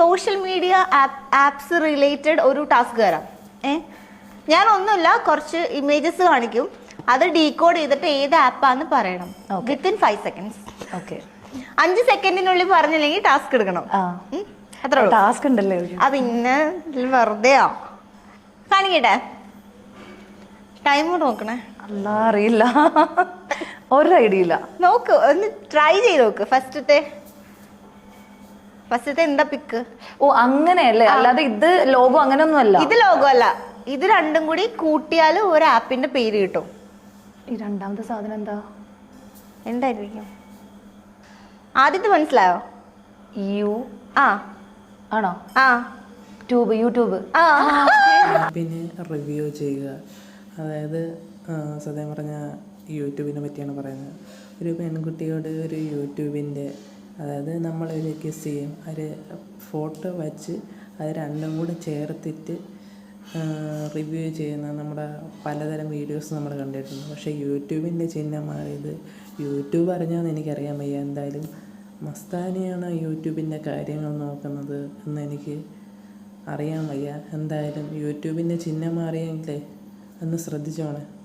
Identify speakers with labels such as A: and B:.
A: Social media apps related ഒരു task തരാം. ഞാൻ ഒന്നുമില്ല, കുറച്ച് ഇമേജസ് കാണിക്കും, അത് ഡീകോഡ് ചെയ്തിട്ട് ഏത് ആപ്പാന്ന് പറയണം വിത്തിൻ 5 seconds.
B: ഓക്കെ.
A: 5 സെക്കൻഡിനുള്ളിൽ പറഞ്ഞില്ലെങ്കിൽ ടാസ്ക് എടുക്കണം. അത്ര
B: ടാസ്ക് ഉണ്ടല്ലേ?
A: പിന്നെ വെറുതെയോ കാണിക്കട്ടെ. ടൈമർ നോക്കണേ.
B: അല്ല, അറിയില്ല, ഒരു ഐഡിയ ഇല്ല.
A: നോക്ക്, ഒന്ന് ട്രൈ ചെയ്ത് നോക്ക്. ഫസ്റ്റത്തെ എന്താ പിക്ക്?
B: ഓ അങ്ങനെയല്ലേ, അല്ലാതെ ഇത് ലോഗോ അങ്ങനെയൊന്നും അല്ല.
A: ഇത് ലോഗോ അല്ല, ഇത് രണ്ടും കൂടി കൂട്ടിയാൽ ഒരു ആപ്പിന്റെ പേര് കിട്ടും.
B: ഈ രണ്ടാമത്തെ സാധനം
A: എന്തായിരിക്കും? ആദ്യത്തെ മനസ്സിലായോ?
B: ആണോ? യൂട്യൂബ്.
C: പിന്നെ റിവ്യൂ ചെയ്യുക, അതായത് സത്യം പറഞ്ഞാൽ യൂട്യൂബിനെ പറ്റിയാണ് പറയുന്നത്. ഒരു പെൺകുട്ടിയോട് ഒരു യൂട്യൂബിൻ്റെ, അതായത് നമ്മളൊരു ഗെസ് ചെയ്യും, ഒരു ഫോട്ടോ വച്ച് അത് രണ്ടും കൂടെ ചേർത്തിട്ട് റിവ്യൂ ചെയ്യുന്ന നമ്മുടെ പലതരം വീഡിയോസ് നമ്മൾ കണ്ടിട്ടുണ്ട്. പക്ഷേ യൂട്യൂബിൻ്റെ ചിഹ്നമായത് യൂട്യൂബ് അറിഞ്ഞാന്ന് എനിക്കറിയാൻ വയ്യ. എന്തായാലും മസ്താനിയാണ് യൂട്യൂബിൻ്റെ കാര്യങ്ങൾ നോക്കുന്നത് എന്ന് എനിക്ക് അറിയാൻ വയ്യ. എന്തായാലും യൂട്യൂബിൻ്റെ ചിഹ്നം മാറിയെങ്കിലേ ഒന്ന് ശ്രദ്ധിച്ചോണേ.